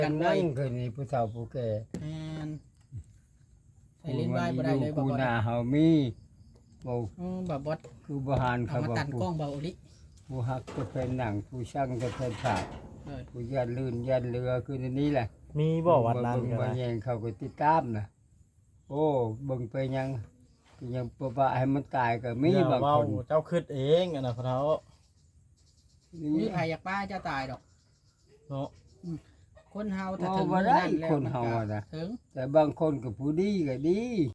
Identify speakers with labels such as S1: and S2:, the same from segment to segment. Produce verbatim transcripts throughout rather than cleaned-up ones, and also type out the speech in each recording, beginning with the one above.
S1: กันไว้คือนี่ผู้เฒ่าผู้แก่
S2: แม่นใส่ลิ้นไว้บ่ได้เลยบ่
S1: กู
S2: บ่
S1: หน้าเฮามีบ่
S2: อือบ่บด
S1: คือบ่หาน
S2: เอา
S1: เขา
S2: มา
S1: บ่
S2: ตัดกล้องเบาลิ
S1: ผู้ฮักก็เป็นหนังผู้ช่างก็เป็นฉาก
S2: เอ้ย
S1: ผู้ยันลื่นยันเรือคือในนี้แหละ
S3: มีบ่วัดนั้น
S1: เบิ่ง
S3: ก็
S1: บ่
S3: ได้
S1: แยงเขาก็ติดตามน่ะโอ้เบิ่งไปยังก็ยังบ่ว่าให้มันตายก็มี
S3: อย่
S1: บาง
S3: เว้
S1: คน
S3: เจ้าคิดเองอันน่ะพะเฒ่า
S2: มีใครอยากป้าจะตายดอก
S3: เนาะ
S2: คนเฮาถ้าถึง
S1: บ่ได้
S2: มื้อแล้ว
S1: คนเฮา
S2: มั
S1: อะ
S2: ก็
S1: นะ
S2: ถึง
S1: แต่บางคนก็ผู้ดีก็ดี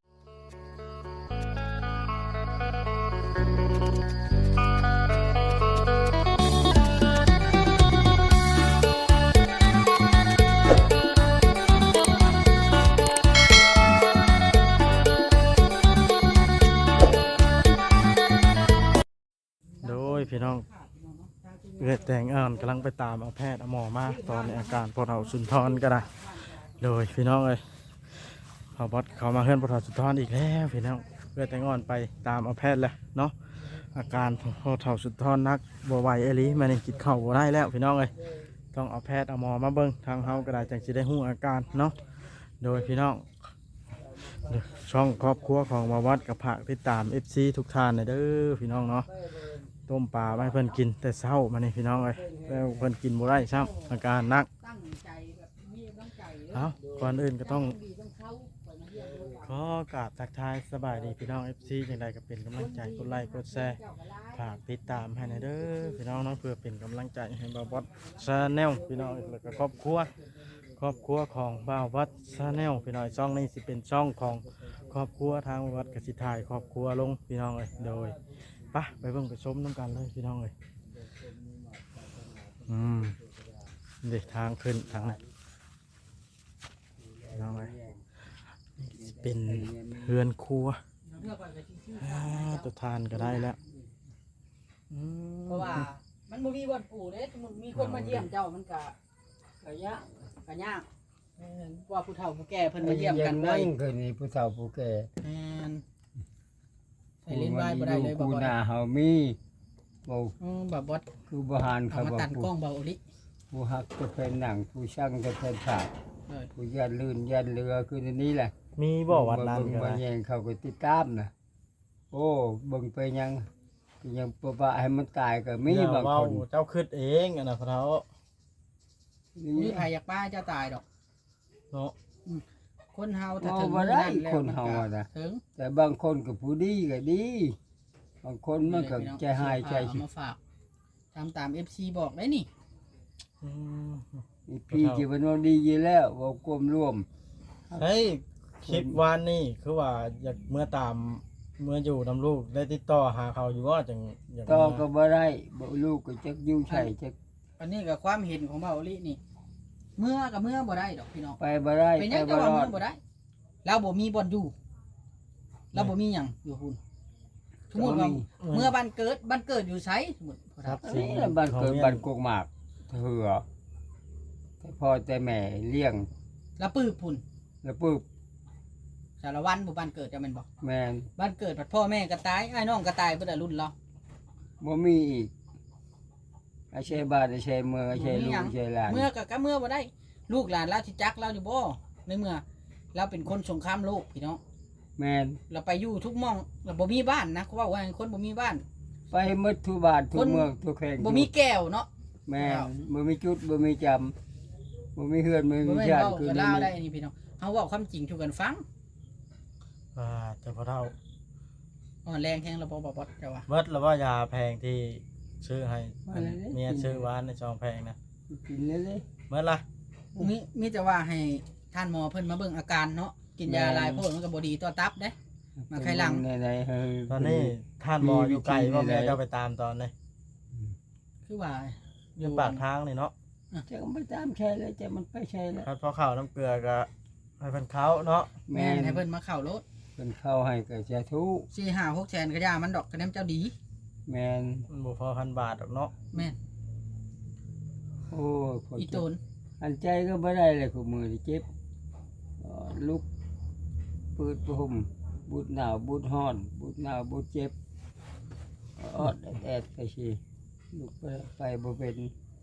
S3: โดยพี่น้องเอื้อแต่งอ่านกำลังไปตามเอาแพทย์เอาหมอมาตอนในอาการพอเฒ่าสุนทรก็ได้โดยพี่น้องเอ้ยเขาบอสเขามาเฮือนพอเฒ่าสุนทรอีกแล้วพี่น้องเอื้อแต่งอ่อนไปตามเอาแพทย์แล้วเนาะอาการพอเฒ่าสุนทรนักบ่ไหวเอหลีมันยังกินข้าวบ่ได้แล้วพี่น้องเอ้ยต้องเอาแพทย์เอาหมอมาเบิ่งทางเฮาก็ได้จังสิได้ฮู้อาการเนาะโดยพี่น้องช่องครอบครัวของมาวัดกับผักติดตาม เอฟ ซี ทุกท่านเด้อพี่น้องเนาะต้มปลาไว้เพิ่นกินแต่เช้ามานี่พี่น้องเอ้ยแล้วเพิ่นกินบ่ได้ซ้ำอาการหนัก
S2: ตั้งใจแบบมีกำลังใจ
S3: เอ้าก่อนอื่นก็ต้อง
S2: ดีต้องเข้าไปมาเยี่ยมลูก
S3: ขอกราบทักทายสบายดีพี่น้อง เอฟ ซี จังใดก็เป็นกำลังใจกดไลค์กดแชร์ฝากติดตามให้หน่อยเด้อพี่น้องเนาะเพื่อเป็นกำลังใจให้บ่าวบอสชาแนลพี่น้องแล้วก็ครอบครัวครอบครัวของบ่าวบอสชาแนลพี่น้องช่องนี้สิเป็นช่องของครอบครัวทางวัดกสิถ่ายครอบครัวลงพี่น้องเอ้ยโดยไปไปเบิ่งไปชมน้ำกันเลยพี่น้องเอ้ยอืมเด็กทางขึ้นทางนั้นพี่น้องเอ้ยเป็นเฮือนครัวอ่าตัวทานก็ได้แล้วอืม
S2: เพราะว่ามันบ่มีบ่อนปู่เด้สมมุติมีคนมาเยี่ยมเจ้ามันก็ก็ยากก็ยากแม่นว่าผู้เฒ่าผู้แก่เพิ่นมาเยี่ยมกัน
S1: ไว้
S2: ไว้
S1: คือนี่ผู้เฒ่าผู้แก่
S2: แม่นใส่ลิ้นไว้บ่ได้เลยบ่
S1: กู
S2: บ่
S1: หน้าเฮามีบ่
S2: อือบ่บด
S1: คือบ่หาน
S2: เอา
S1: เขา
S2: มา
S1: บ่
S2: ตัดกล้องเบาลิ
S1: ผู้ฮักก็เป็นหนังผู้ช่างก็เป็นฉาก
S2: เอ้ย
S1: ผู้ยันลื่นยันเรือคือในนี้แหละ
S3: มีบ่วัดนั้น
S1: เบิ่ง
S3: ก็
S1: บ่
S3: ได้
S1: แยงเขาก็ติดตามน่ะโอ้เบิ่งไปยังก็ยังบ่ว่าให้มันตายก็มี
S3: อย่
S1: บาง
S3: เว้
S1: คน
S3: เจ้าคิดเองอันน่ะพะเฒ่า
S2: มีใครอยากป้าจะตายดอก
S3: เนาะ
S2: คนเฮาถ้า
S1: เอา
S2: ถึง
S1: บ่
S2: มื้อ
S1: ได้
S2: นั้นแล้ว
S1: คน
S2: มัน
S1: เฮา
S2: ก็
S1: อะนะ
S2: ถึง
S1: แต่บางคนก็ผู้ดีก็ดี บางคนมันก็ใจหายใจ
S2: เอามาฝากทำตาม เอฟ ซี บอกได้นี่
S3: อืม
S1: นี่พี่ที่มันว่าดีอยู่แล้วเว่ากลมร่วม
S3: เฮ้ยคลิปวานนี่คือว่าอยากเมื่อตามเมื่ออยู่นำลูกได้ติดต่อหาเขาอยู่ว่าจังอยาก
S1: ต่อ
S3: เมื่
S1: ก็บ่ได้บ่ลูกก็จักอยู่ใช่จัก
S2: อันนี้ก็ความเห็นของเบาลินี่ เมื่อกับเมื่อบ่ได้ดอกพี่น้อง
S1: ไปบ่ได้
S2: เป็นห
S1: ไป
S2: ยังจะ
S1: บ่
S2: ว่าร
S1: อ
S2: เมื่
S1: ด
S2: อบ่ได้เราบ่มีบ่อนอยู่เราบ่มีหยังอยู่พุ่นสมมุติว่าเมื่อบ้านเกิดบ้านเกิดอยู่ไสสมมุติ
S3: ครับ
S1: อัน
S3: สิ่ง
S1: นี้แหละบ้านเกิดบ้านกกหมากเถือแต่พ่อแต่แม่เลี้ยง
S2: แล้วปื้บพุ่น
S1: แล้วปึ๊บ
S2: สารวันบ่บ้านเกิดจะแม่นบ่
S1: แม่น
S2: บ้านเกิดผัดพ่อแม่ก็ตายอ้ายน้องก็ตายเบิดอะรุ่นเรา
S1: บ่มีอีกไอ้เชยบ้านไอ้เชยเมืองไอ้เชยลูกไอ้เชยหลาน
S2: เมื่อก็ก็เมื่อบ่ได้ ลูกหลานเราสิจักเราอยู่บ่ในเมื่อเราเป็นคนสงครามโลกพี่น้อง
S1: แม่น
S2: เราไปอยู่ทุกหม่องเราบ่มีบ้านนะเขาว่าว่าคนบ่มีบ้าน
S1: ไปหมดทุกบ้านทุ
S2: ค
S1: ก
S2: น
S1: เมืองทุกแห่ง
S2: บ่มีแก้วเนาะ
S1: แม่นบ่มีจุดบ่มีจำบ่มีเฮือนบ่
S2: บ่
S1: มี
S2: แม่น
S1: ชาติ
S2: เว้า
S1: คือ
S2: กับ
S1: นี่
S2: ลาวได้นี่พี่น้องเฮาเว้าความจริงสู่กันฟัง
S3: อ่าแต่พอเท่า
S2: อ่อนแรงแฮงระบ่บ่บ่เจ้าว่า
S3: เบิดแล้วว่ายาแพงที่ซื้อให้อันเมียซื้อวานในซองแพงนะ
S1: กินเลยเลย
S3: เบิดละ
S2: มีมีแต่ว่าให้ท่านหมอเพิ่นมาเบิ่งอาการเนาะกินยาหลายโพดมันก็บ่ดีต่อตับเด้ มาไข่หลัง
S1: ไหนๆเฮ้ย
S3: ตอนนี้ท่านหมออยู่ไกลว่าเมียจะไปตามตอนนี้
S2: คือว่า
S3: อยู่ปากทางนี่เนาะ
S1: จะก็ไปตามใช่แล้วจะมันไปใช่แล้ว
S3: คัดพอข้าวน้ำเกลือก็ให้เพิ่นเขาเนาะ
S2: แม่
S1: แม่
S2: น
S1: น
S2: ให้เพิ่นมาเข้ารถ
S1: เพิ่นเข้าให้ก็จะทุก
S2: สี่ ห้า หกแสนก็ย่ามันดอกคะแนนเจ้าดี
S1: แม่น
S3: มันบ่พอพันบาทหรอกเนาะ
S2: แม่น
S1: โอ้ยคน
S2: อี
S1: เจ็
S2: โต
S1: บ
S2: น
S1: อันใจก็บ่ได้เลยคือมือนี่เจ็บเอ่อลุกปืดปุ่มบุดหนาวบุดฮ้อนบุดหนาวบุดเจ็บออดแอดๆไปสิลุกไปไปบ่เป็น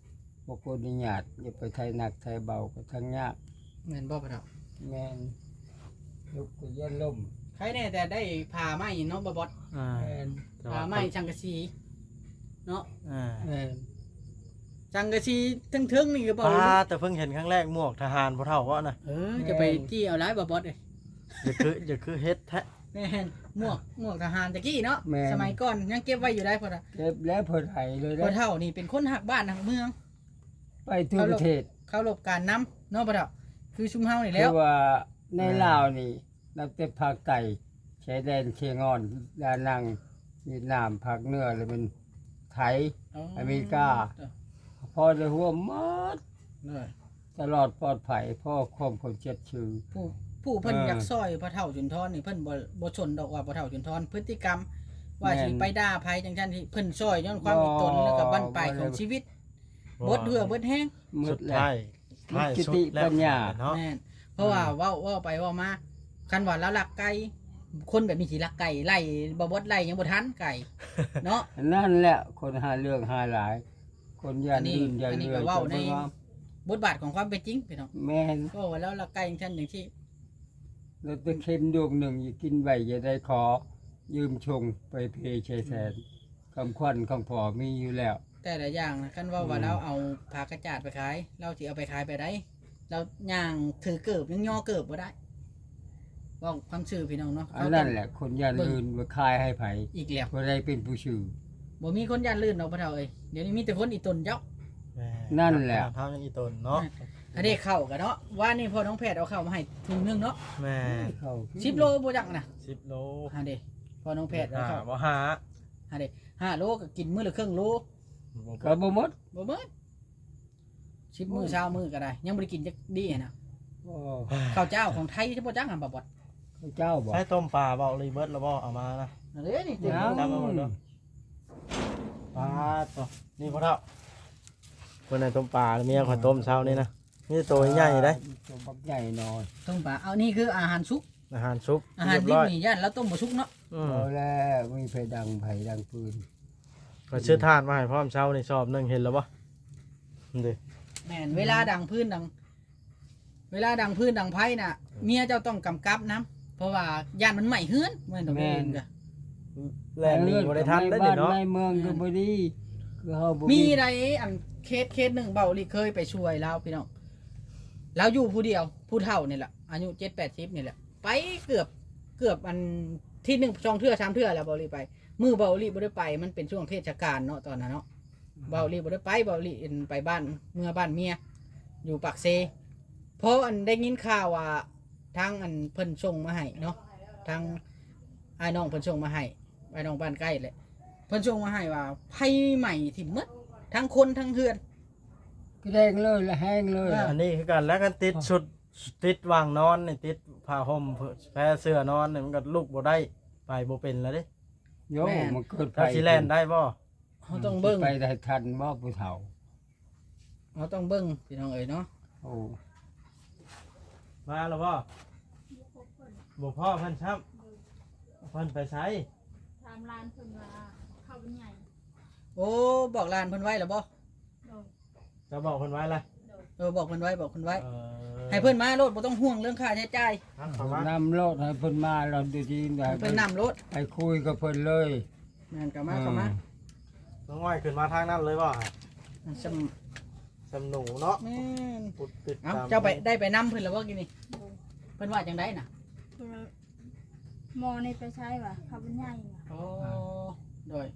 S1: บ่คนนิยาตอย่าไปไทยหนักไทยเบาก็ทั้งยาก
S2: แม่นบ่พ่อเฒ่า
S1: แม่นลุกก็ยันล่ม
S2: ใครแน่แต่ได้ผ่าไหมเนาะบ่บอส
S3: อ่า
S1: แม่น
S2: ผ่าไหมจังกะสีเนาะ
S3: อ่า
S1: แม่น
S2: จังกะสีทึ่งๆนี่ก็บ่
S3: ป้า
S2: รู้
S3: แต่เพิ่งเห็นครั้งแรกหมวกทหารบ่เท่าว่าน่ะ
S2: เออจะไปจี้เอาหลายบ่บอสเอ้ย
S3: อย่าคืออย่าคือเฮ็ดแท้
S2: แม่นหมวกหมวกทหารตะกี้เนาะ
S1: แม่น
S2: สมัยก่อนยังเก็บไว้อยู่ได้พ่อเฒ่า
S1: เก็บแล้วเพิ่นให้เลย
S2: พ่อ
S1: นะ
S2: เฒ่านี่เป็นคนหักบ้านหักเมือง
S1: ไปทั่วประเทศ
S2: เข้ารบการน้ำเนาะพ่อเฒ่าคือชุมเฮานี่
S1: คื
S2: แล้ว
S1: อว่าในลาวนี่นับแต่ภาคใต้ชายแดนเชียงอนดานังเวียดนามภาคเหนือแล้วเป็นไทย อเมริกา พอได้หัวหมด
S2: เออ
S1: ตลอดปลอดภัยพ่อความคนเจ็ดชื่อ
S2: ผู้ผู้เพิ่น
S1: เออ
S2: อยากซอยพ่อเฒ่าจุนทรนี่เพิ่นบ่บ่ชนดอกว่าพ่อเฒ่าจุนทรพฤติกรรม ว่าสิ
S1: แม่น
S2: ไปด่าภัยจังซั่นที่เพิ่นซอยย้อนความมีตน
S1: บ่
S2: แล้วก็บั้นปลายของ
S1: บ่ได้
S2: ชีวิตบดเหือเบิดแห้ง
S1: มื
S3: สุ
S1: ด
S3: ด
S1: แล้ว
S3: ท้ายท้าย
S1: จิ
S3: สุด
S1: ติ
S3: แล้ว
S1: ปัญญา
S3: เนาะ
S2: แม่นเพราะว่าเว้าเว้าไปเว้ามาคันว่าเราลักไก่คนแบบมีสิลักไก่ไล่บ่บดไล่ยังบ่ทันไก่เนาะ
S1: นั่นแหละคนหาเรื่องหาหลาย คนยั
S2: อั
S1: น
S2: นนี้
S1: ลื่นยัน
S2: อันนี้
S1: เรื่
S2: ก็
S1: อย
S2: เว้า
S1: จะ
S2: ใน
S1: บ่ว่า
S2: บทบาทของความเป็นจริงพี่น้อง
S1: แม่น
S2: ก็ว่าแล้วลักไก่จังซั่นจังซี่
S1: แล้วตะเข็มดวงหนึ่งอย่ากินไว้อย่าได้ขอ ยืมชงไปเพชัยแสนคำขวัญคำพอมีอยู่แล้ว
S2: แต่ละอย่างนะคันว่าว่า
S1: อืม
S2: เราเอาผากระจาดไปขาย เราสิเอาไปขายไปได้เราย่างถือเกิบยังย่อเกิบบ่ได้เว้าความชื่อพี่น้องเนาะ
S1: อันนั้นแหละ คนยันลื่นมาคายให้ไผ
S2: อีกแล้ว
S1: บ่ได้เป็นผู้ชื่อ
S2: บ่มีคนย่านลื่นดอกพ่อเฒ่าเอ้ยเดี๋ยวนี้มีแต่คนอีตนเจ้า
S3: แม่
S1: นั่นแหละ
S3: เท้ายังอีตนเนาะ
S2: อันนี้เข้ากันเนาะว่านี่พ่อน้องแพทย์เอาเข้ามาให้ถุงหนึงเนาะ
S3: แม่
S1: เข้า
S2: สิบโลบ่จักนะ
S3: สิบโล
S2: ฮะเด้พ่อน้องแพทย์เอา
S3: อ่า
S2: เข้า
S3: บ่หา
S2: ฮะเด้ห้าโลก็กินมื้อละครึ่งโล
S1: ก็บ่หมด
S2: บ่เบิดสิบมื้อเช้ามื้อก็ได้ ยังบ่ได้กินจักดีอะนะ
S1: โอ้
S2: ข้าวเจ้าของไทยจะบ่จักหั่นบ่บด
S1: ข้าเจ้าบ่
S3: ใช้ต้มปลาเบาเลยเบิดแล้วบ่เอามานะ
S2: นั่นเด้นี่เต็ม
S1: ยัง
S3: จำเอาไว้เด้อ ปลาตัวนี่พ่อเฒ่าเพิ่นให้ต้มปลาเมียขอยต้มเช้านี่นะมีแต่ตัวใหญ่ๆเด้
S1: ตัวบักใหญ่หน่อย
S2: ต้มปลาเอานี่คืออาหารสุก
S3: อาหารซุป
S2: อาหาร
S3: เรียบ
S2: ดิบ
S3: ร้อย
S2: นี่ย่านเราต้มบ่สุกเนาะ
S3: อืม
S1: เอาแล้วมีไผดังไผดังปืน
S3: ก็ชื่อทานมาให้พร้อมเช้านี่ชอบหนึงเห็นแล้วบ่นี่ดิ
S2: แม่นเวลาดังพื้นดัง เวลาดังพื้นดังไผ่น่ะเมียเจ้าต้องกำกับนํเพราะว่าย่านมันไหม้เฮือนแม่นดอกเองก็
S3: แล่นหนี่บ่ได้ทันได้นี่เนาะ
S1: ในเมืองก็บ่ดีคือเฮาบ่
S2: มีใดอันเคสเคสหนึ่งเบาลีเคยไปช่วยเราพี่น้องเราอยู่ผู้เดียวผู้เฒ่านี่แหละอายุเจ็ดแปดสิบนี่แหละไปเกือบเกือบอันที่หนึ่งสองเทื่อสามเทื่อแล้วเบาลีไป มือเบาลีบ่ได้ไปมันเป็นช่วงเทศกาลเนาะตอนนั้นเนาะเบาลีบ่ได้ไปเบาลีเอ็นไปบ้านเมื่อบ้านเมียอยู่ปากเซเพราะอันได้ยินข่าวว่าทางอันเพิ่นส่งมาให้เนาะทางไอ้น้องเพิ่นส่งมาให้ไอ้น้องบ้านใกล้เลยเพิ่นส่งมาให้ว่าไผใหม่ที่หมด ทั้งคนทั้งเฮือน
S1: ก็แดงเลยและแห้งเลย
S3: อันนี้คือกันแล้วกันติดชุดติดวางนอนนี่ติดผ้าห่มแพรเสื้อนอนนี่มันก็ลุกบ่ได้ไปบ่เป็นแล้วเด้
S1: โยมันเกิดไฟ
S3: ถ้าสิแล่นได้บ่
S2: เขาต้องเบิ้ง
S1: ไปได้ทันบ่ผู้เฒ่า
S2: เขาต้องเบิ้งพี่น้องเอ๋ยเนาะ
S1: โอ้
S3: มาแล้วบ่บ่พ่อเพิ่นช้ำเพิ่นไปไส
S4: ทำร้านเพิ่นว่าเข้าเป็นใหญ่
S2: โอ้บอกลานเพิ่นไว้แล้วบ่
S4: โดย
S3: จะบอกเพิ่นไว้ล่ะ
S4: โดย
S2: เออบอกเพิ่นไว้บอกเพิ่นไว้
S3: เออ
S2: ให้เพิ่นมาโลดบ่ต้องห่วงเรื่องค่าใช้จ่าย
S3: ครับเข้ามา
S1: นำรถให้เพิ่นมาเราดูดีได้
S2: ให้เพิ่นนำรถ
S1: ไปคุยกับเพิ่นเลย
S2: แม่นก็มาเข้ามา
S3: น้องอ้อยขึ้นมาทางนั้นเลยบ่
S2: ซำ
S3: สำหนูเนาะ
S2: แม่น
S3: ปุดติด
S2: เอ้า
S3: ตาม
S2: เจ้าไปได้ไปนำเพิ่นแล้วบ่กินนี่
S4: โดย
S2: เพิ่นว่าจังได๋น่ะ
S4: เพิ่นว่าหมอนี่ไปใช้ว่ะเข้าเป็นใหญ่ว่ะ
S2: โอ้โดย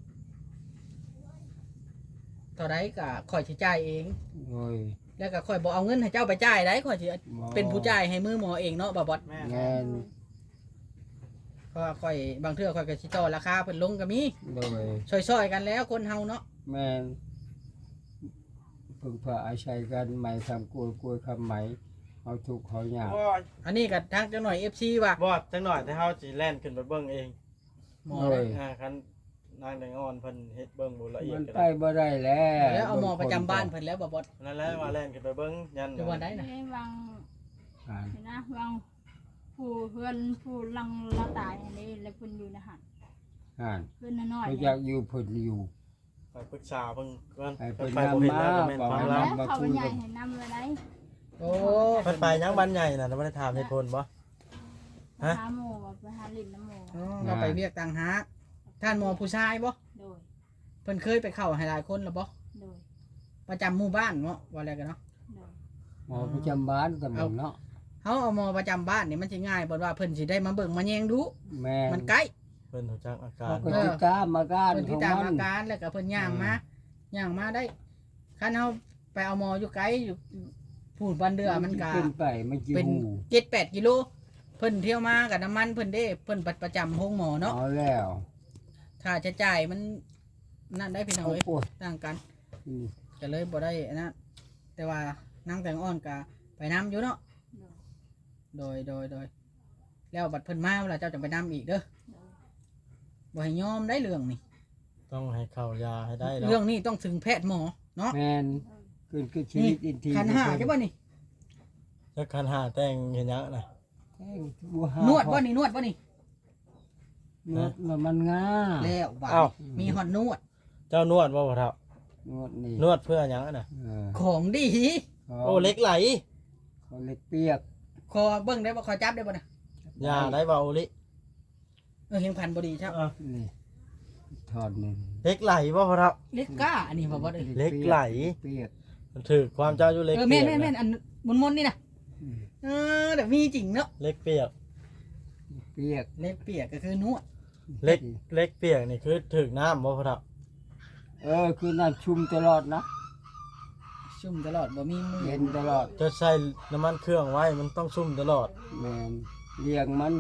S2: เท่าใดก็ข่อยสิจ่ายเอง
S1: โอ้ย
S2: แล้วก็ข่อยบ่เอาเงินให้เจ้าไปจ่ายได้ข่อยสิ
S1: บ่
S2: เป็นผู้จ่ายให้มือหมอเองเนาะบ่บอด
S3: แม่
S1: แม่น
S2: เพราะว่าข่อยบางเทื่อข่อยก็สิต่อราคาเพิ่นลงก็มี
S1: โดย
S2: ช่วยๆกันแล้วคนเฮาเนาะ
S1: แม่นพึ่งพาอาศัยกันไหมทำกล้วยกล้วยคำไหมเอาทุกข์เขายาก
S3: บ่
S2: อันนี้ก็ทางจังหน่อย เอฟ ซี ว่า
S3: บ่จังหน่อยแต่เฮาสิแล่นขึ้นไปเบิ่งเอง
S2: หมอ
S1: โอ้
S2: เลย
S1: ย
S3: อ่าคันนางแดงอ่อนเพิ่นเฮ็ดเบิ่งบ่ละเอีย
S1: มั
S3: ด
S1: น
S3: ก็
S1: ไป
S3: ได้
S1: บ่ได้แล้ว
S2: แล้วเอาหมอประจำบ้านเพิ่นแล้วบ่บอด
S3: นั่นแหละว่าแล่นขึ้นไปเบิ่งยัน
S2: อยู่วันใดน่ะ
S4: เอ้ยวาง
S1: อ่า
S4: เห็นนะวางผู้เพื่อนผู้ลังละตายอันนี้แล้วเพิ่นอยู่ในหัน
S1: อ่าน
S4: เพิ่นน้อย
S1: เขา
S4: ๆ
S1: อยากอยู่เพิ่นอยู่
S3: ไปปรึกษาเพิ่นก่อน
S1: ให้เพิ่น
S3: ไปบ่เห็นแล้วก็แม่น
S1: นำมา
S3: ฟัง
S1: บอก
S3: เรา
S1: ให้
S4: แล้วเขาเป็นใหญ่ให้นำไว้ได้
S2: โอ้
S3: เพิ่นไปยังบ้านใหญ่น่ะบ่ได้ถามเหตุผลบ่
S4: ไป
S3: ฮะ
S4: หาหมู่ว่าไปหาลิ้นน้ำหมู่
S2: อ๋อเราไปเรียกต่างหากท่านหมอผู้ชายบ่
S4: โดย
S2: เพิ่นเคยไปเข้าให้หลายคนแล้วบ่
S4: โดย
S2: ประจำหมู่บ้านเนาะว่าอะไรกันเนาะ
S4: โดย
S1: หมอประจำบ้านตำบลเนาะ
S2: เฮาเอาหมอประจำบ้านนี่มันสิง่ายบ่ว่าเพิ่นสิได้มาเบิ่งมาแยงดู
S1: แม่
S2: มันใกล้
S3: เพิ่นรู้จักอาการ
S1: เขาก็ติดตามอาการ
S2: เพิ่น
S1: ข
S2: ที่
S1: อง
S2: ตาม
S1: มั
S2: อาน การแล้วก็เพิ่นย่างมาย่างมาได้คันเฮาไปเอาหมออยู่ไกลอยู่พูดบันเดือมันก็
S1: เป็นไปมันจิ
S2: เป็น
S1: หู
S2: เจ็ดแปดกิโลเพิ่นเที่ยวมากับน้ำมันเพิ่นเด้เพิ่นประจำห้องหมอเนาะ
S1: เอาแล้ว
S2: ค่าใช้จ่ายมันนั่นได้พี่น้อง
S1: โอ้
S2: เอ้ย
S1: โห
S2: ต่างกัน
S1: อืม
S2: ก็เลยบ่ได้อันนั้นแต่ว่านั่งแต่งอ่อนก็ไปน้ำอยู่เนาะ
S4: โดย
S2: โดยโดยโดยแล้วบัดเพิ่นมาเวลาเจ้าจะไปน้ำอีกเด้อ
S4: โดย
S2: บ่ให้ยอมได้เรื่องนี่
S3: ต้องให้เข้ายาให้ได้แล้ว
S2: เรื่องนี้ต้องถึงแพทย์หมอเนาะ
S1: แมนเกินคือชีวิตอินที
S2: คันหาใช่ป่ะนี่
S3: แล้วคันหาแต่งเห็นยังน่ะ
S1: แท่งบัวหาน
S2: วดป่ะนี่นวดป่ะนี่
S1: นวดแล้วมันง่า
S2: แล้วบาด
S3: เอ้า
S2: มีหอนนวด
S3: เจ้านวดบ่พ่อเฒ่าน
S1: วดนี่
S3: นวดเพื่อหยังน่ะ
S1: เออ
S2: ของดี
S1: เขา
S3: โอ้เหล็กไหล
S1: เขาเล็กเปียก
S2: คอเบิ่งได้บ่คอจับได้บ่นะ
S3: ยาได้บ่โอลิ
S2: เออเห็นพันบ่ดีครับ
S3: อ่ะ
S1: นี่ถอดหนึ่ง
S3: เหล็กไหลบ่พ่อเฒ่า
S2: เล็กก้าอันนี้บ่บ่ได้
S3: เหล็กไหล
S1: เปียก
S3: มันถือความเจ้าอยู่เหล็ก
S2: เออ
S3: เปี
S2: แม่
S3: ย
S2: น
S3: ก
S2: แม่นแม่น
S3: นะ
S2: อันมนๆนี่นะ
S1: อืม
S2: เออแต่มีจริงเนาะ
S3: เหล็กเปียก
S1: เปียก
S2: เล็กเปียกก็คือนวด
S3: เหล็กเหล็กเปียกนี่คือถือน้ำบ่พ่อเฒ่า
S1: เออคือน้ำชุ่มตลอดนะ
S2: ชุ่มตลอดบ่มีมือ
S1: เย็นตลอด
S3: จะใส่น้ำมันเครื่องไว้มันต้องชุ่มตลอด
S1: แมนเลี้ยงมัน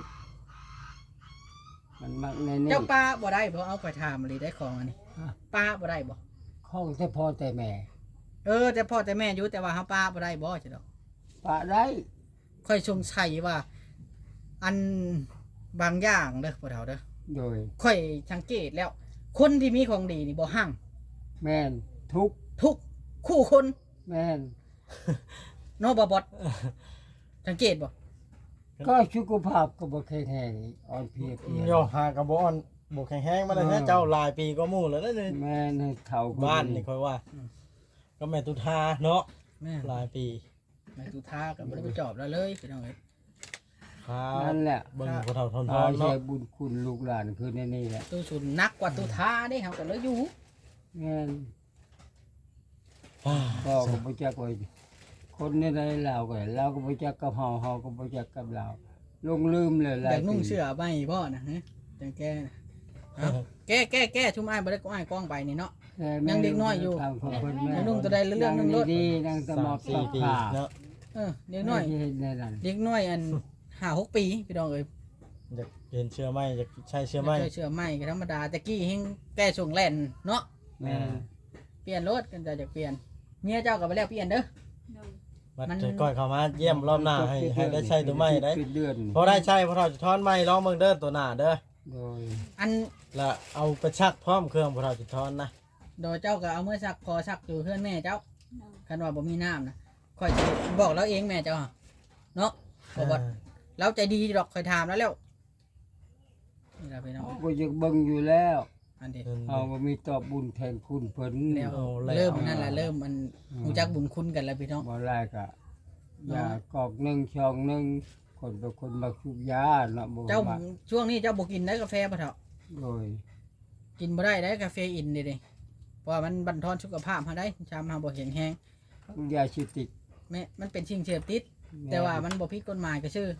S1: มันมักในนี่
S2: เจ้าป้าบ่ได้บ่เอาไปถามเลยได้ของอันนี้
S1: ฮะ
S2: ป้าบ่ได้บ่
S1: ข้องแต่พ่อแต่แม่
S2: เออแต่พ่อแต่แม่อยู่แต่ว่าเฮาป้าบ่ได้บ่ใช่ดอก
S1: ปะได้
S2: ค่อยสงสัยว่า อันบางอย่างเด้อพ่อเฒ่าเด้อ
S1: โดย
S2: ค่อยสังเกตแล้ว คนที่มีของดีนี่บ่หั่ง
S1: แม่นทุก
S2: ทุกคู่คน
S1: แม่น
S2: เนาะบ่บอดสังเกตบ่
S1: ก็สุขภาพก็บ่แข็งแรงอ่อนเพลียเพลีย
S3: โยหากระบอนบกแข็งแห้งมาเลยนะเจ้าหลายปีก็หมู่แล้วนะนี่
S1: แม่นให้เฒ่าก็
S3: บ้าน
S1: ดี
S3: นี่ค่อยว่า ก็แม่ตุทาเนาะ
S2: แม่
S3: หลายปี
S2: แม่ตุทาก็บ่ได้ไปจอบแล้วเลยพี่น้องเอ้ย
S3: ครับ
S1: นั่นแหละ
S3: เบิ่งผู้เฒ่าทนท
S1: อา
S3: อน
S1: ใช้
S3: เนาะ
S1: บุญคุณลูกหลานคือในนี่แหละ
S2: ตู้สุนนักกว่าตุทาเด้เฮาก็เลยอยู่
S1: แม่น
S3: ว้า
S1: พ่อก็บ่จักว่าคนในใดลาวก็เราก็บ่จักกับเฮาเฮาก็บ่จักกับลาวลงลืมเลยห
S2: อ
S1: ลาย
S2: ยากนุ่ง
S1: ปี
S2: เสื้อใบบ่นะฮะจังแก้นะเอาแก้แก้แก้ชุมอ้ายบ่ได้ก็อ้ายกล้องไปนี่เนาะ
S1: แต่แม่
S2: ยังเด็กน้อยอยู่
S1: ทางของเพิ่นแม่
S2: ยังนุ่งตัวใดเรื่องหนึ่งรถ
S1: ดีๆนั่งสมอบ
S3: สามสี่ปี
S1: ผ้า
S3: เนาะ
S2: เออเด็กน้อย
S1: ไม่ใช่ในนั้น
S2: เด็กน้อยอันห้าหกปีพี่น้องเอ้ย
S3: อยากเห็นเชื่อไหมอยากใช้เชื่อไหม
S2: เคยเชื่อไหมก็ธรรมดาแต่กี้เฮงแก้ส่งแล่นเนาะ
S1: แม่น
S2: เปลี่ยนรถกันจะจะเปลี่ยนเมียเจ้าก็ไปแล้วเปลี่ยนเด้อ
S4: โดย
S3: มัด
S2: มัน
S3: ใจก้อยเข้ามาเยี่ยมรอบหน้าให้ให้ได้ใช้ตัวใหม่ได้
S1: เป็นเดือน
S3: พอได้ใช้พอเราจะทอนใหม่ลองเบิ่งเด้อตัวหน้าเด้อ
S1: โดย
S2: อัน
S3: แล้วเอาไปชักพร้อมเครื่องพอเราจะทอนนะ
S2: โดยเจ้าก็เอาเมื่อซักพอซักอยู่เพื่อนแม่เจ้า
S4: โดย
S2: คันว่าบ่มีน้ำนะค่อยสิบอกเราเองแม่เจ้าอะเนาะบ่บ่เราใจดีดอกค่อยถามแล้วแล้วนี่ล่ะพี่น้อง
S1: เขาก็ยังเบิ่งอยู่แล้ว
S2: อันนี้
S3: เออ
S1: เอาก็มีตอบบุญแทนคุณเพิ่น
S2: แล้ว
S3: เอาแล้ว
S2: เริ่มนั่นแหละเริ่มมันรู้จักบุญคุณกันแล้วพี่น้อง
S1: บ่แรกอะยากอกหนึ่งช่องหนึ่งคนเป็นคนมักสูบยาเนาะบ่
S2: เจ้า
S1: มัก
S2: ช่วงนี้เจ้าบ่กินได้กาแฟบ่เถอะ
S1: โดย
S2: กินบ่ได้ได้กาแฟอินนี่เด้เพราะว่ามันบั่นทอนสุขภาพเฮาได้ชามเฮาบ่แข็งแรง
S1: ทั้งยาชิติก
S2: แม่มันเป็นสิ่งเสพติด แต่ว่ามันบ่ผิดกฎหมายก็ชื่อ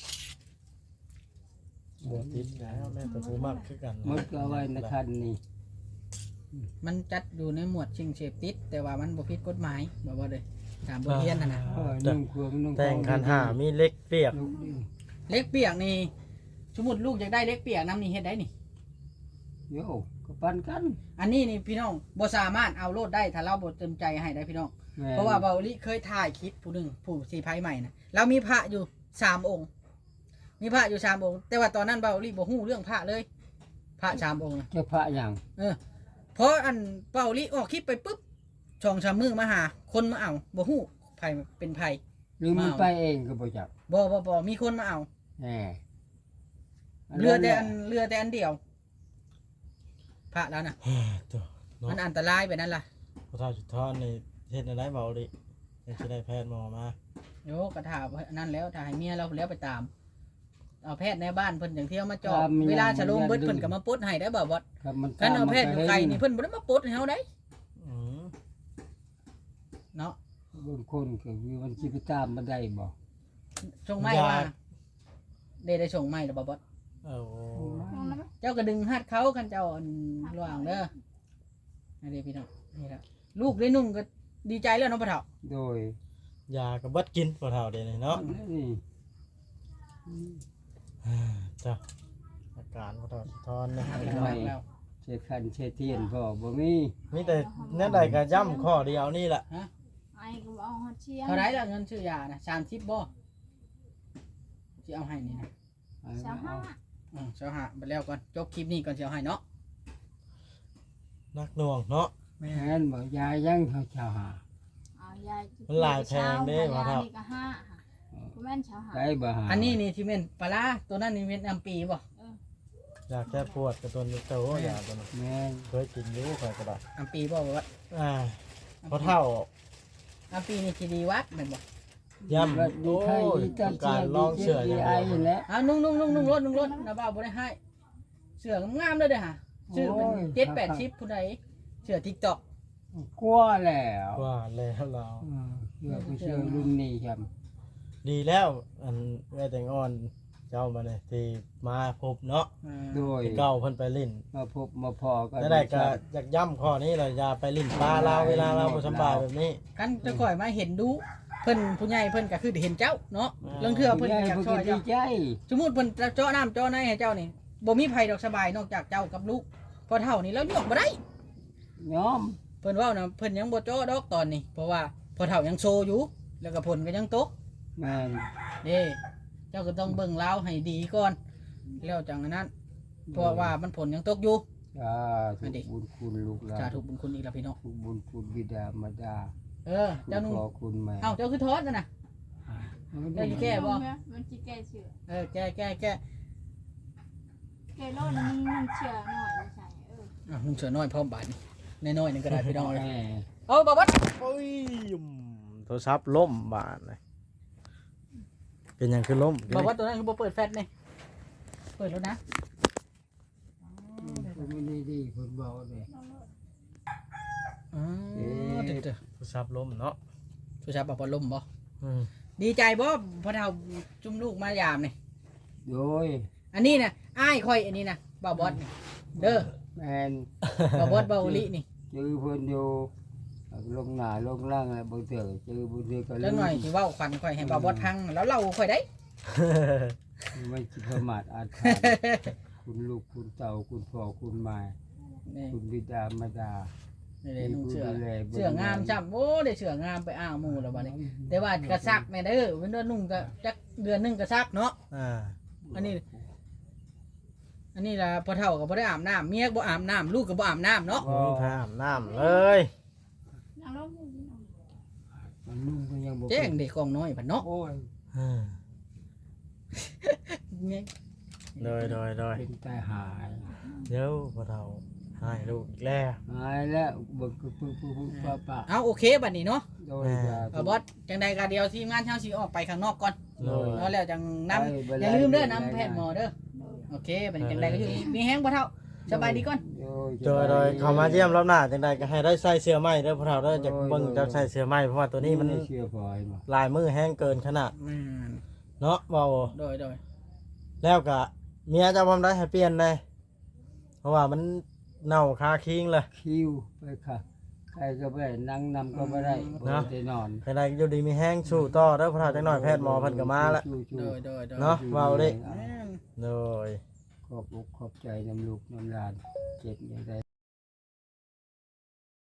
S3: บวชติดแล้วแม่แต่ผู้มากคือกัน
S1: หมดก็เอาไว้ในคันนี้
S2: มันจัดอยู่ในหมวดสิ่งเสพติด แต่ว่ามันบ่ผิดกฎหมายบ่บ่เลยตามบทเรียนนั่นน่ะ
S1: เออนุ่งเครื่องนุ่ง
S3: แต่งคันหามีเล็กเปียก
S1: ลูกดิ
S2: เล็กเปียกนี่สมมุติลูกอยากได้เล็กเปียกน้ำนี่เฮ็ดได้นี่
S1: โยก็ปันกัน
S2: อันนี้นี่พี่น้องบ่สามารถเอาโลดได้ถ้าเราบ่เต็มใจให้ได้พี่น้อง
S1: แม่น
S2: เพราะว่าเบาลิเคยถ่ายคลิปผู้หนึ่งผู้สีไพ่ใหม่นะเรามีพระอยู่สามองค์ มีพระอยู่สามองค์ แต่ว่าตอนนั้นเบาลิบ่ฮู้เรื่องพระเลย พระสามองค์นะ
S1: จะพระอย่าง
S2: เออเพราะอันเบาลิออกคลิปไปปุ๊บช่องชามมือมาหา คนมาเอาบ่ฮู้ไผเป็นไผ
S1: หรือมัน
S2: มา
S1: ไปเองก็บ่จัก
S2: บ่บ่บ่มีคนมาเอา
S1: แหม
S2: เรือแต่
S1: แห
S2: อั
S1: ละ
S2: นเรือแต่อันเดียว พระแล้วนะ
S3: ตัวเนาะ
S2: มันอันตรายไปนั่นล่ะ
S3: พอเท่าสุดท้อนนี่เฮ็ดอะไรเบาดิยังสิได้แพทย์หมอมา
S2: โยกระถานั่นแล้วถ้าให้เมียเราแล้วไปตามเอาแพทย์ในบ้านเพิ่นอย่างเที่ยวมาจอบเวลาฉลองเบิดเพิ่นก็มาปลดให้ได้บ่บ่
S1: ครับมัน
S2: คันเอาแพทย์อยู่ไกลนี่เพิ่นบ่ได้มาปลดให้เฮาได้
S3: อืม
S2: เนาะ
S1: บางคนก็มีมันสิไปตามบ่ได้บ่
S2: ส่งไม้ว่าได้ได้ส่งไม้แล้วบ่บ่
S3: เอา
S4: มองแล้วไหม
S2: เจ้าก็ดึงหัดเขาคันเจ้าอันระหว่างเด้อนี่เด้พี่น้องนี่ล่ะลูกได้นุ่งก็ดีใจแล้วเนาะพ่อเฒ่า
S1: โดย
S3: ยาก็เบิดกินพอเท่าเดี๋ยวนี้เนาะ
S1: นี่
S3: จ้ะอาการพอเท่าสุดท้อนนะ
S2: แล้ว
S1: เช็ดคันเช็ดเทียนพ่อบ่มี
S3: มีแต่แนั่นใดก็ย่ำข้อเดียวนี่แหละ
S4: ไอ้ก็เอาฮอดเชียง
S2: เท่าไรล่ะเงินซื้อยานะสามสิบบ่ที่เอาให้นี่นะ
S4: สามห้า
S2: อืมเช้าหาไปแล้วก่อนจบคลิปนี้ก่อนเช้าให้เนาะ
S3: นักหน่วงเนาะ
S2: แม่
S1: แม่นบ่ยายยังเขาชาวหา
S4: เอายาย
S3: มันหลายแพงเด้ว่าเท่า
S4: ยนี่ก็ห้าค่ะก็แม่นชาวหา
S1: ได้บ่หา
S2: อันนี้นี่ที่เป็นปลาร้าตัวนั้นนี่เป็นอัมปีบ่
S3: อยากแก้ปวดกับตัวนี้โตอยากตัวนั้น
S1: แม่น
S3: เคยกินอยู่เคยก็ได้
S2: อัมปีบ่บ่ว่า
S3: อ่าพอเท่า
S2: อัมปีนี่ที่ดีวัดแม่นบ่
S3: ย่ำ
S1: ดี
S3: โอ้
S1: ไข้
S3: ย
S1: ดีตา
S3: ต้อง
S1: เจี
S3: การ
S1: ย
S3: ลองเชื่ออย่าง
S1: ไอ
S3: เดียว
S1: แหละ
S2: เอานุ่งนุ่งนุ่งนุ่งรถนุ่งรถนะบ่าวบ่ได้ให้เสื้องามๆเลยเด้อฮะชื่อเป็นเจ็ดแปดชิปผู้ใดเสื้อ TikTok
S1: กลัวแล้ว
S3: ว่าแล้วเรา
S1: อืมเชื่อผู้เชื่อรุ่นนี้ครับ
S3: ดีแล้วอันแม่แตงอ่อนเจ้ามาเนี่ยที่มาพบเนาะ
S2: อ่า
S1: โดย
S3: ที่เก่าเพิ่นไปลิ้น
S1: มาพบมาพอกัน
S3: ได้ได้ก็อยากย่ำข้อนี้เลยอย่าไปลิ้นปลาเราเวลาเราบ่สำบายแบบนี้
S2: กันจะก่อยมาเห็นดูเพิ่นผู้ใหญ่เพิ่นก็คือเห็นเจ้าเนาะเรื่องเทื่อเพิ่นก็อยาก
S1: เพิ่น
S2: ช่วย
S1: ดี
S2: เจ้า
S1: ใจ
S2: สมมุติเพิ่นเจาะน้ำเจาะในให้เจ้านี่บ่มีไผดอกสบายนอกจากเจ้ากับลูกพอเท่านี้แล้วยกบ่ได้
S1: ยอม
S2: เพิ่นเว้านะเพิ่นยังบ่เจาะดอกตอนนี้ เพราะว่าพอเท่ายังโซอยู่ แล้วก็ผลก็ยังตก
S1: แม่น
S2: เด้เจ้าก็ต้องเบิ่งลาวให้ดีก่อนแล้วจังอันนั้นเพราะว่ามันผลยังตกอยู่
S1: อ่าทุกบุญคุณลูกหลาน
S2: สาธุบุญคุณอีกแล้วพี่น้อง
S1: ทุกบุญคุณบิดามารดา
S2: เออ
S1: คุณ
S2: เจ้านุ่ง
S1: พ่อคุณแม่
S2: เอ้าเจ้าคือทอดกันน่ะ เจ้าอยู่แก้บ่
S4: มันสิแก้เชื่อ
S2: เออแก้แก้แก้
S4: แก้โลดนึงนึงเชื่อหน่อยจะใส่เออ
S2: อ่ะนุ่งเสือน้อยพร้อมบาดนี่น้อยๆนึงก็ได้พี่น้อง
S1: แม่
S2: เอาบ่บัด
S3: โอ้ยโทรศัพท์ล่มบาดเลยเป็นหยังคือล่ม
S2: บ่บัดตัวนั้นคือบ่เปิดแฟลชนี่เปิดแล้วนะ
S1: ผมไม่ได้ดีผมบอกเลย
S2: อ๋อเด้อ
S3: โทรศัพท์ล่มเนาะ
S2: ๆผู้ชายบ่บ่ลมบ่
S3: อืม
S2: ดีใจบ่พอเท่าจุ่มลูกมายามนี่
S1: โดย
S2: อันนี้นะอ้ายค่อยอันนี้นะบ่าวบอสนี่เด้อ
S1: แม่น
S2: บ่าวบอสบ่าวลินี่
S1: จื้อเพิ่นอยู่ลงหน้าลงล่างอะไรบางเถื่อจื้อบางเถื่อก็
S2: แล้วหน่อยสิเว้าขวัญค่อยให้บ่าวบอสพังแล้วเราค่อยได้
S1: ไม่คิดประมาทอาถรรพ์คุณลูกคุณเต่าคุณพ่อคุณแม่
S2: นี่
S1: คุณบิดามารดา
S2: นี่เลยนุ่งเสื้อ
S1: ดูแลบิ่
S2: เสื้องามจ้ำโอ้ได้เสื้องามไปอ้างหมู่แล้วบัดนี้แต่ว่ากระซักแม่เด้อเว้นว่านุ่งก็จักเดือนหนึงกระซักเนาะ
S3: อ่า
S2: อันนี้ อันนี้ล่ะพอเฒ่าก็บ่ได้อาบน้ำเมียก็บ่อาบน้ำลูกก็บ่อาบน้ำเนาะ
S3: บ่มีทางอาบน้ำเลย
S4: นั่งลงอยู่นี่น้อง
S1: มันนุ่งก็ยังบ่
S2: แจ้งเด็กกองน้อยพันเนาะ
S1: โอ้ย
S3: อ่า
S2: เนี่ย
S3: โดยโดยโดย
S1: เป็นตายหาย
S3: เดี๋ยวพอเราให้ลูกอีกแล้ว
S1: หายแล้วเบิ่งคือปึ๊บปึ๊บปึ๊บป้าป้า
S2: เอาโอเคบัดนี้เนาะ
S1: โดยจะ
S2: เออบอสจังใดก็เดียวทีมงานเฮาสิออกไปข้างนอกก่อน
S3: โดย
S2: แล้วแล้วจังนำ
S1: ไปบ่
S2: อย่าลืมเด้อ
S1: ไป
S2: นำแพทย์หมอเด้อ
S4: โดย
S2: โอเคเป็นจังใดก็อยู่ดีมีแห้งบ่เท่าสบายดีก่อน
S3: โดยโดยเขามาเยี่ยมรอบหน้าจังใดก็ให้ได้ใส่เสื้อไหมเด้อพวกเราเด้อจะเบิ่งจะใส่เสื้อไหมเพราะว่าตัวนี้มัน
S1: เชื่อพอยมา
S3: ลายมือแห้งเกินขนาด
S2: อืม
S3: เนาะเบา
S2: โดยโดย
S3: แล้วก็เมียจะพร้อมได้ให้เปลี่ยนเลยเพราะว่ามันเน่าคาคิงเลย
S1: คิวไปค่ะใครก็ไม่ได้นั่งนำก็ไม่ได้บ่ได้นอน
S3: ใครได้อยู่ดีมีแห้งสู้ต่อเด้อพวกเราจังหน่อยแพทย์หมอเพิ่นก็มาแล้ว
S2: โดยโดยโดย
S3: เนาะเบาดิ
S2: แม่น
S3: โดย
S1: ขอบอกขอบใจน้ำลูกน้ำหลานเจ็บอย่างใด